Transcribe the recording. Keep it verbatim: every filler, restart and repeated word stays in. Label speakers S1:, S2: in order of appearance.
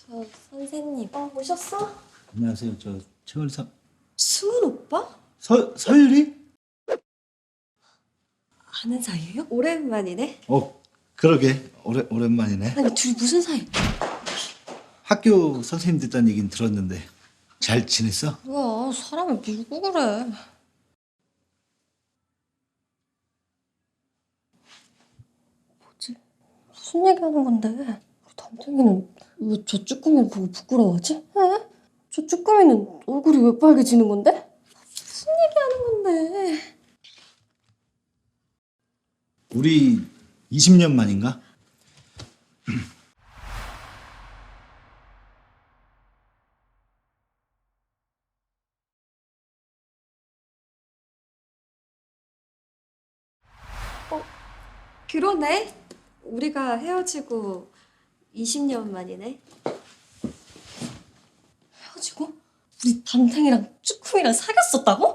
S1: 저 선생님. 어, 오셨어?
S2: 안녕하세요. 저 최월삼.
S1: 승훈 오빠?
S2: 서 서율이?
S1: 아는 사이예요? 오랜만이네.
S2: 어, 그러게. 오래 오랜만이네.
S1: 아니 둘이 무슨 사이?
S2: 학교 선생님 됐다는 얘긴 들었는데 잘 지냈어?
S1: 뭐야 사람을 밀고 그래. 뭐지? 무슨 얘기하는 건데? 우리 담탱이는 왜 저 쭈꾸미를 보고 부끄러워하지? 에? 저 쭈꾸미는 얼굴이 왜 빨개지는 건데? 무슨 얘기하는 건데?
S2: 우리 이십 년 만인가?
S1: 그러네. 우리가 헤어지고 이십 년 만이네. 헤어지고? 우리 담탱이랑 쭈꾸미랑 사귀었었다고?